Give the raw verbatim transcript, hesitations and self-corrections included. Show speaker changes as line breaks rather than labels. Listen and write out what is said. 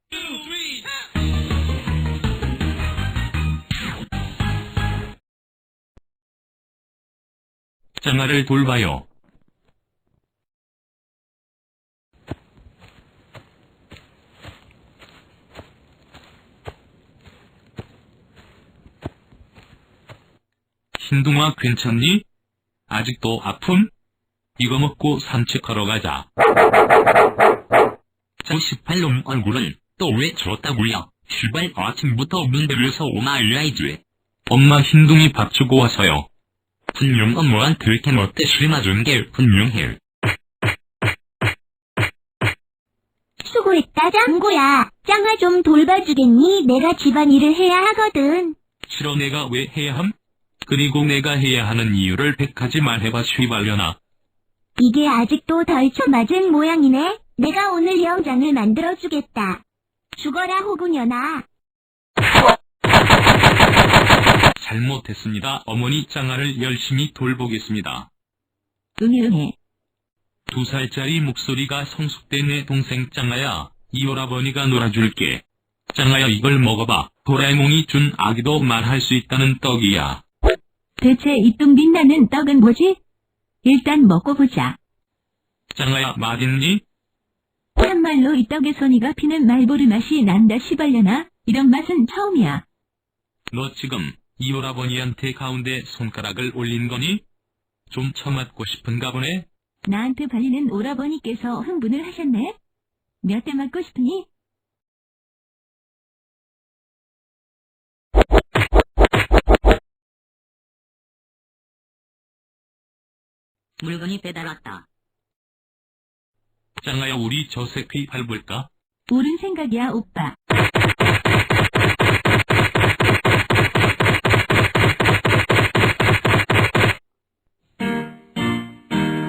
짱아를 돌봐요. 흰둥아 괜찮니? 아직도 아픔? 이거 먹고 산책하러 가자.
저 십팔 놈 얼굴은 또 왜 저렇다고요? 출발 아침부터 문들여서 오마이라이즈.
엄마 흰둥이 밥 주고 와서요.
분명 엄마한테 이렇게 멋대 심어준 게 분명해.
수고했다 짱구야. 짱아 좀 돌봐주겠니? 내가 집안일을 해야 하거든.
싫어 내가 왜 해야 함? 그리고 내가 해야 하는 이유를 백 가지 말해봐 휘발려나.
이게 아직도 덜 쳐맞은 모양이네. 내가 오늘 영장을 만들어주겠다. 죽어라 호구년아.
잘못했습니다. 어머니 짱아를 열심히 돌보겠습니다.
응응해.
두 살짜리 목소리가 성숙된 내 동생 짱아야. 이 오라버니가 놀아줄게. 짱아야 이걸 먹어봐. 도라에몽이 준 아기도 말할 수 있다는 떡이야.
대체 이 뚱 빛나는 떡은 뭐지? 일단 먹고 보자.
짱아야 맛있니?
참말로 이 떡에서 니가 피는 말보르 맛이 난다 시발려나? 이런 맛은 처음이야.
너 지금 이 오라버니한테 가운데 손가락을 올린 거니? 좀 처맞고 싶은가 보네?
나한테 발리는 오라버니께서 흥분을 하셨네? 몇 대 맞고 싶으니?
물건이 배달 왔다.
짱아야 우리 저 새끼 밟을까?
옳은 생각이야 오빠.